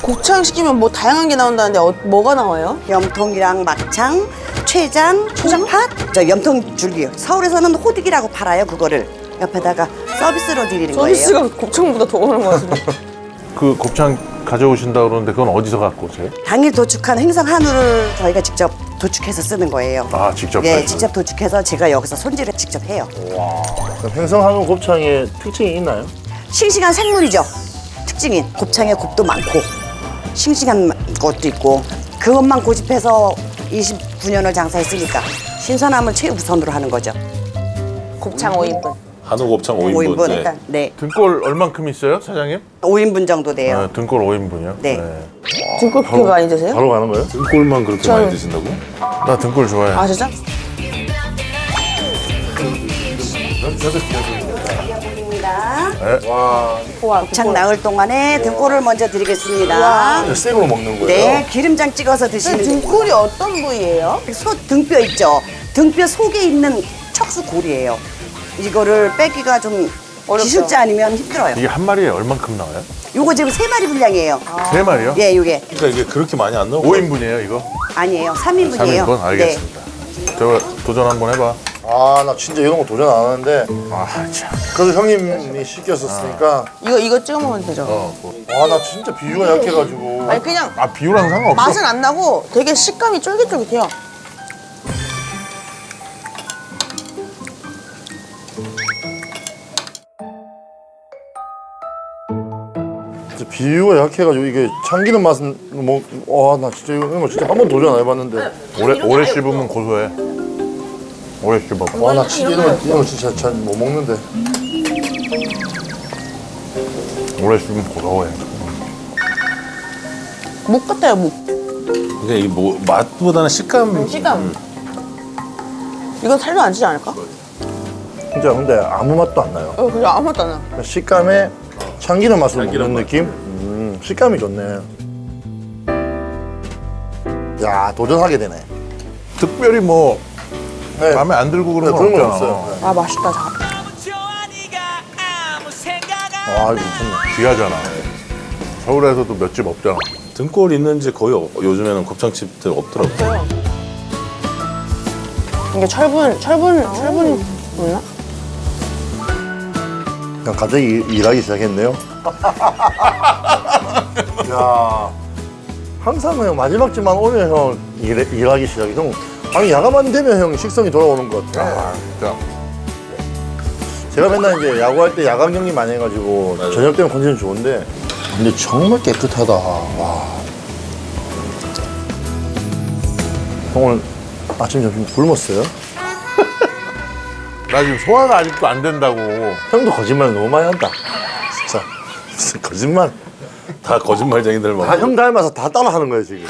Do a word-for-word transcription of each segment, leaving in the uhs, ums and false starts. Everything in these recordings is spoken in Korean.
곱창 시키면 뭐 다양한 게 나온다는데 어, 뭐가 나와요? 염통이랑 막창, 췌장, 초장팥, 저 염통 줄기요. 서울에서는 호득이라고 팔아요. 그거를 옆에다가 서비스로 드리는 거예요. 서비스가 곱창보다 더 오는 것 같은데. 그 곱창 가져오신다 그러는데 그건 어디서 갖고 오세요? 당일 도축한 행성 한우를 저희가 직접 도축해서 쓰는 거예요. 아, 직접 예, 하시고. 직접 도축해서 제가 여기서 손질을 직접 해요. 그럼 행성한우 곱창에 특징이 있나요? 싱싱한 생물이죠. 특징인 곱창에 곱도 많고 싱싱한 것도 있고 그것만 고집해서 이십구 년을 장사했으니까 신선함을 최우선으로 하는 거죠. 곱창 오 인분. 한우 곱창 오 인분. 오 인분 네. 일단 네, 등골 얼만큼 있어요, 사장님? 오 인분 정도 돼요. 네, 등골 오 인분이요? 네. 등골 그렇게 많이 드세요? 바로 가는 거예요? 등골만 그렇게 저는- 많이 드신다고? 나 등골 좋아해. 아 진짜? 우와, 곱창 나을 동안에 등골을 먼저 드리겠습니다. 생으로 먹는 거예요? 네, 기름장 찍어서 드시는 게 등골이 어떤 부위예요? 소 등뼈 있죠. 등뼈 속에 있는 척수 골이에요. 이거를 빼기가 좀 어렵죠. 기술자 아니면 힘들어요. 이게 한 마리에 얼만큼 나와요? 요거 지금 세 마리 분량이에요. 세 마리요? 예, 요게 그러니까 이게 그렇게 많이 안 나오고. 오 인분이에요, 이거? 아니에요. 삼 삼 인분이에요. 인분? 알겠습니다. 저 도전 한번 해봐. 아, 나 진짜 이런 거 도전 안 하는데 아, 참. 그래도 형님이 시켰었으니까 이거 이거 찍어 먹으면 되죠? 어, 뭐. 아, 나 진짜 비유가 약해가지고 아니 그냥 아, 비유랑 상관없어. 맛은 안 나고 되게 식감이 쫄깃쫄깃해요. 진짜 비유가 약해가지고 이게 참기름 맛은 뭐, 와, 나 진짜 이거, 이런 거 진짜 한 번 도전 안 해봤는데 오래, 오래 씹으면 고소해. 오래 씹어봐. 와, 나 진짜 이런 거, 이런 거 진짜 잘 못 먹는데 오래 씹으면 고소해. 목 같아요 목. 이게 이게 뭐 맛보다는 식감. 식감. 이건 살도 안 찌지 않을까? 진짜 근데 아무 맛도 안 나요. 어 그냥 아무것도 안 나. 식감에 참기름 맛을 참기름 먹는 맛. 느낌? 음, 식감이 좋네. 야, 도전하게 되네. 특별히 뭐 네. 마음에 안 들고 그런 네, 건 그런 건 없잖아. 없어요. 아 맛있다. 자. 아, 이거 괜찮네. 귀하잖아. 서울에서도 몇 집 없잖아. 등골 있는지 거의 없- 요즘에는 곱창집들 없더라고요. 이게 철분 철분 철분 없나? 그냥 갑자기 일- 일하기 시작했네요. 야, 항상 형 마지막 집만 오면 형 일, 일하기 시작해. 형, 아니 야간만 되면 형 식성이 돌아오는 것 같아. 아, 진짜. 제가 맨날 이제 야구할 때 야간 경기 많이 해가지고 맞아요. 저녁 때는 컨디션 좋은데 근데 정말 깨끗하다. 와. 형 오늘 아침 점심 굶었어요? 나 지금 소화가 아직도 안 된다고. 형도 거짓말 너무 많이 한다. 진짜 무슨 거짓말. 다 거짓말쟁이들만. 다 형 닮아서 다 따라하는 거예요 지금.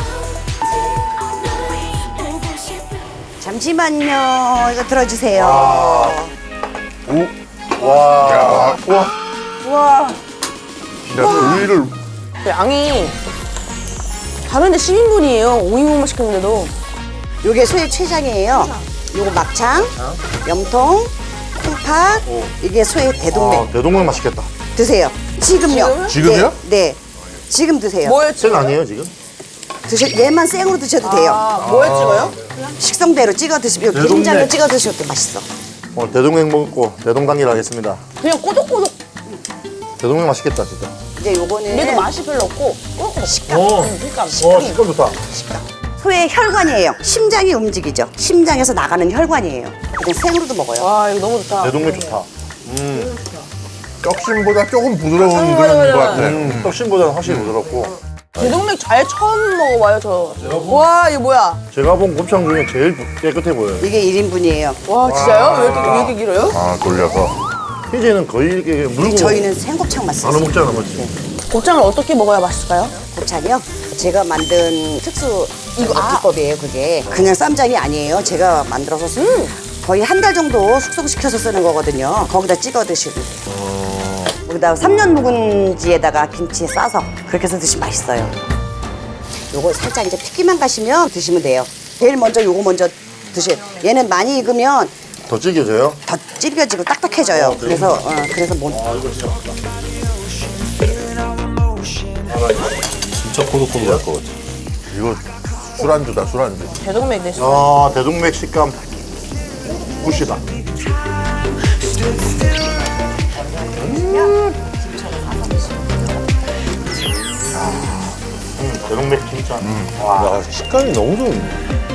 잠시만요. 이거 들어주세요. 오, 와, 와, 우와. 진짜 조이를 그 양이 다른데 십 인분이에요. 오 인분만 시켰는데도. 요게 소의 췌장이에요. 요거 막창, 염통, 콩팥. 이게 소의 대동맥. 아, 대동맥 맛있겠다. 드세요. 지금요. 지금요? 네. 네. 지금 드세요. 뭐였지? 생 아니에요 지금? 드셔, 얘만 생으로 드셔도 돼요. 아, 뭐에 찍어요? 식성대로 찍어 드시면 대동맥. 기름장을 찍어 드셔도 맛있어. 오늘 대동맥 먹고 대동단길 하겠습니다. 그냥 꼬독꼬독. 대동맥 맛있겠다 진짜. 이제 요거는 얘도 맛이 별로 없고 꼬독꼬독. 식감. 어. 음, 식감. 와 식감 좋다. 소의 혈관이에요. 심장이 움직이죠. 심장에서 나가는 혈관이에요. 그냥 생으로도 먹어요. 와 이거 너무 좋다. 대동맥 좋다. 떡심보다 조금 부드러운 음, 그런 맞아, 것 맞아. 같아. 음, 떡심보다는 확실히 부드럽고. 대동맥 잘 처음 먹어봐요 저. 와 이거 뭐야? 제가 본 곱창 중에 제일 깨끗해 보여요. 이게 일 인분이에요. 와 진짜요? 왜 이렇게, 왜 이렇게 길어요? 아, 돌려서. 희재는 거의 이렇게 물고 저희는 생곱창만 나눠 써요. 먹잖아, 맞지? 곱창을 어떻게 먹어야 맛있을까요? 곱창이요? 제가 만든 특수 이거, 아. 비법이에요, 그게. 그냥 쌈장이 아니에요. 제가 만들어서 쓰- 거의 한 달 정도 숙성시켜서 쓰는 거거든요. 거기다 찍어 드시고. 거기다 삼 년 묵은지에다가 김치 싸서 그렇게 해서 드시면 맛있어요. 요거 살짝 이제 핏기만 가시면 드시면 돼요. 제일 먼저 요거 먼저 드세요. 얘는 많이 익으면 더 질겨져요? 더 질겨지고 딱딱해져요. 그래서 어, 그래서 못. 진짜 꼬들꼬들할 것 같아. 이거 술안주다, 술안주. 대동맥 대신. 아, 대동맥 식감. 굿이다. 음, 대동맥 진짜. 야, 식감이 너무 좋은데.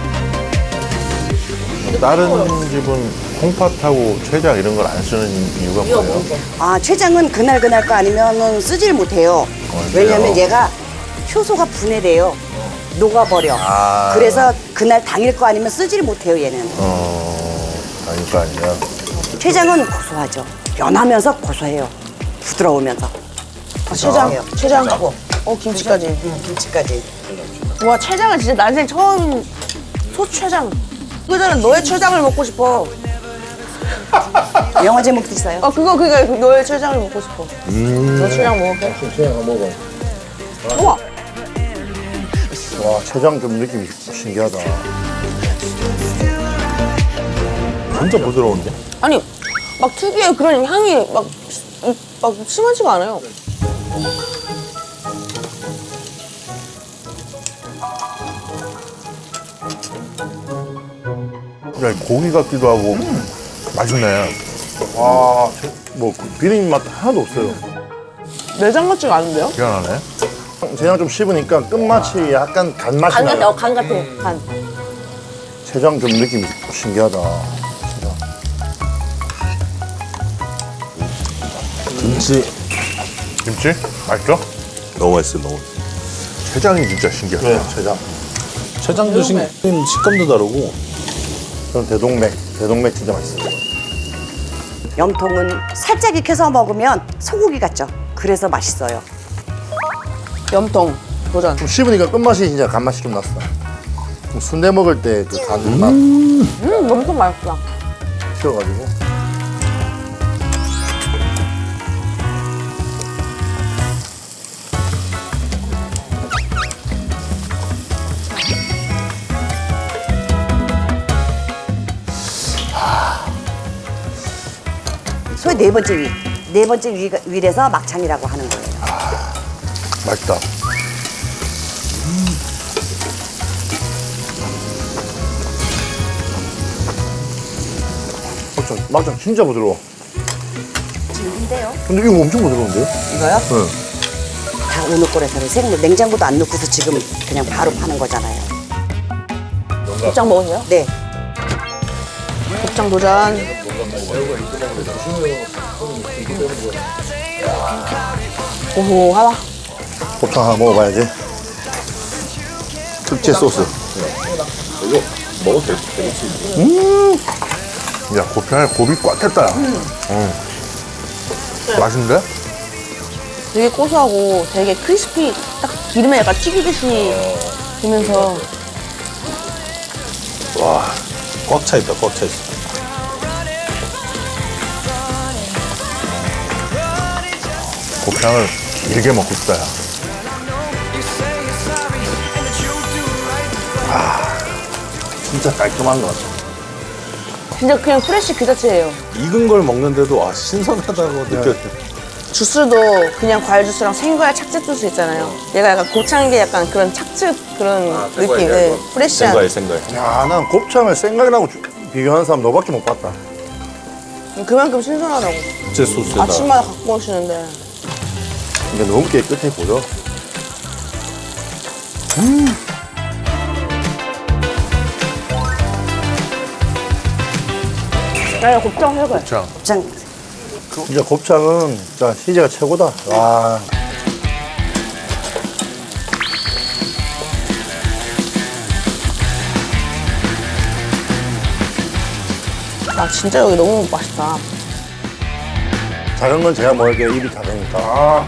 다른 집은 콩팥하고 췌장 이런 걸 안 쓰는 이유가 뭐예요? 아, 췌장은 그날 그날 거 아니면은 쓰질 못해요. 왜냐면 얘가 효소가 분해돼요. 녹아버려. 아. 그래서 그날 당일 거 아니면 쓰질 못해요, 얘는. 어, 아닐까 아니야. 췌장은 고소하죠. 연하면서 고소해요. 부드러우면서. 아, 췌장. 췌장. 어, 김치까지. 음, 김치까지. 와, 췌장은 진짜 난생 처음 소췌장. 그전에 너의 췌장을 먹고 싶어. 영화 제목도 있어요. 아, 그거, 그거, 너의 췌장을 먹고 싶어. 너 췌장 먹을게. 그냥 한번 먹어. 우와. 와, 췌장 좀 느낌이 신기하다. 진짜 부드러운데? 아니, 막 특유의 그런 향이 막, 이- 막 심하지가 않아요. 그냥 고기 같기도 하고 맛있네. 와, 제- 뭐 비린 맛 하나도 없어요. 내장 같지가 않은데요? 희한하네. 췌장 좀 씹으니까 끝맛이 약간 간맛이 간 같아, 나요. 어, 간 같아, 간. 췌장 좀 느낌이 신기하다. 김치 김치? 맛있어? 너무 맛있어, 너무 맛있어. 췌장이 진짜 신기하다. 네, 췌장. 췌장도 식, 식감도 다르고. 저는 대동맥, 대동맥 진짜 맛있어요. 염통은 살짝 익혀서 먹으면 소고기 같죠. 그래서 맛있어요. 염통, 도전. 좀 씹으니까 끝맛이 진짜 간맛이 좀 났어. 좀 순대 먹을 때 그 간맛 음, 염통 맛있다. 튀어가지고. 소의 네 번째 위. 네 번째 위, 위에서 막창이라고 하는 거예요. 맛있다. 막장, 막장 진짜 부드러워. 질긴데요? 근데 이거 엄청 부드러운데요? 이거요? 네. 다 오늘 꼴에서는 생물 냉장고도 안 넣고서 지금 그냥 바로 파는 거잖아요. 곱창 먹으세요? 네. 곱창 도전. 고소하다. 곱창 하나 먹어봐야지. 특제 소스. 이거 먹어도 되겠지? 야, 곱창에 곱이 꽉 찼다. 야. 응. 맛있는데? 되게 고소하고 되게 크리스피, 딱 기름에 약간 튀기듯이 되면서. 와, 꽉 차 있다, 꽉 차 있어. 곱창을 길게 먹고 싶다. 야. 진짜 깔끔한 것 같아. 진짜 그냥 프레쉬 그 자체예요. 익은 걸 먹는데도 아, 신선하다고 느껴져. 주스도 그냥 과일 주스랑 생과일 착즙 주스 있잖아요. 얘가 약간 고창게 약간 그런 착즙 그런 느낌. 네, 프레쉬한. 생과일, 생과일. 야, 난 곱창을 생각이라고 주- 비교하는 사람 너밖에 못 봤다. 그만큼 신선하다고. 특제 소스에다. 아침마다 갖고 오시는데. 이게 너무 깨끗해 보여. 아니, 곱창 해봐요. 곱창. 곱창 진짜 곱창은 진짜 희재가 최고다. 와. 아, 진짜 여기 너무 맛있다. 작은 건 제가 먹을게요. 입이 작으니까. 아.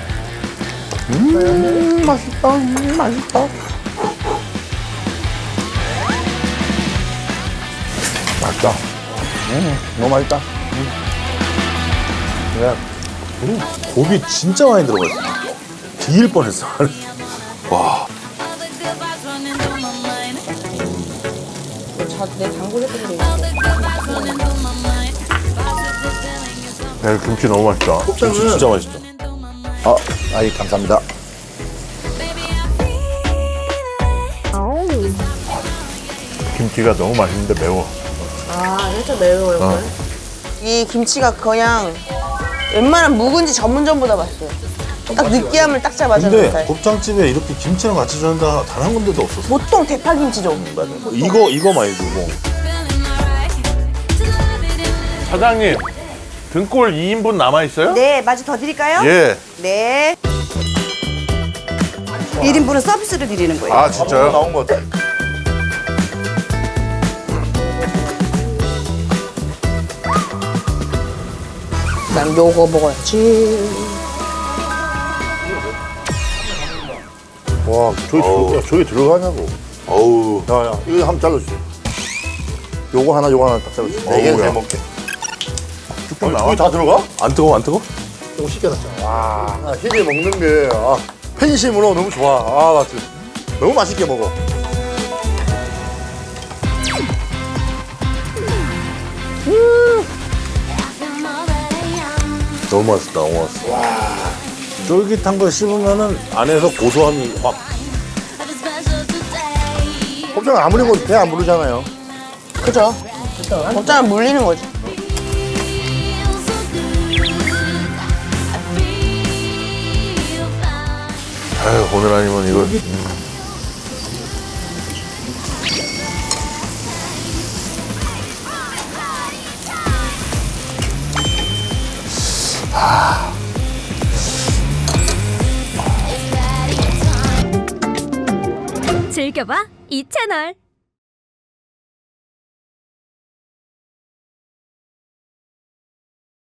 음, 맛있다. 음, 맛있다. 맛있다. 음, 너무 맛있다. 음. 그래. 음, 곱이 진짜 많이 들어가 있어. 비일 뻔했어. 와, 자, 내 단골 했던데. 야, 이 김치 너무 맛있다. 김치 진짜 맛있죠. 아, 아이 감사합니다. 김치가 너무 맛있는데 매워. 아, 살짝 매워요. 어. 이 김치가 그냥 웬만한 묵은지 전문점보다 맛있어요. 딱 느끼함을 딱 잡아주는 근데 스타일. 곱창집에 이렇게 김치랑 같이 주는 데 단 한 군데도 없었어. 보통 대파김치죠. 이거 이거 많이 주고. 사장님, 등골 이 인분 남아있어요? 네, 마저 더 드릴까요? 예. 네. 일 인분은 서비스로 드리는 거예요. 아, 진짜요? 나온 것 같아. 난 요거 먹어야지. 와, 저기, 어우. 야, 저기 들어가냐고. 어우. 야, 야, 이거 한번 잘라주세요. 요거 하나, 요거 하나 딱 잘라주세요. 네 개는 어우야. 잘 먹게. 쭉쭉 나와? 저기 다 들어가? 안 뜨거 안 뜨거? 조금 시켜놨잖아. 와, 아, 희재 먹는 게, 아, 팬심으로 너무 좋아. 아, 맞지. 너무 맛있게 먹어. 너무 맛있다. 너무 맛있어. 와. 쫄깃한 걸 씹으면은 안에서 고소함이 확. 곱창 아무리 먹어도 배 안 부르잖아요. 그죠? 곱창은 물리는 거지. 아유, 오늘 아니면 이거. 즐겨봐 이 채널.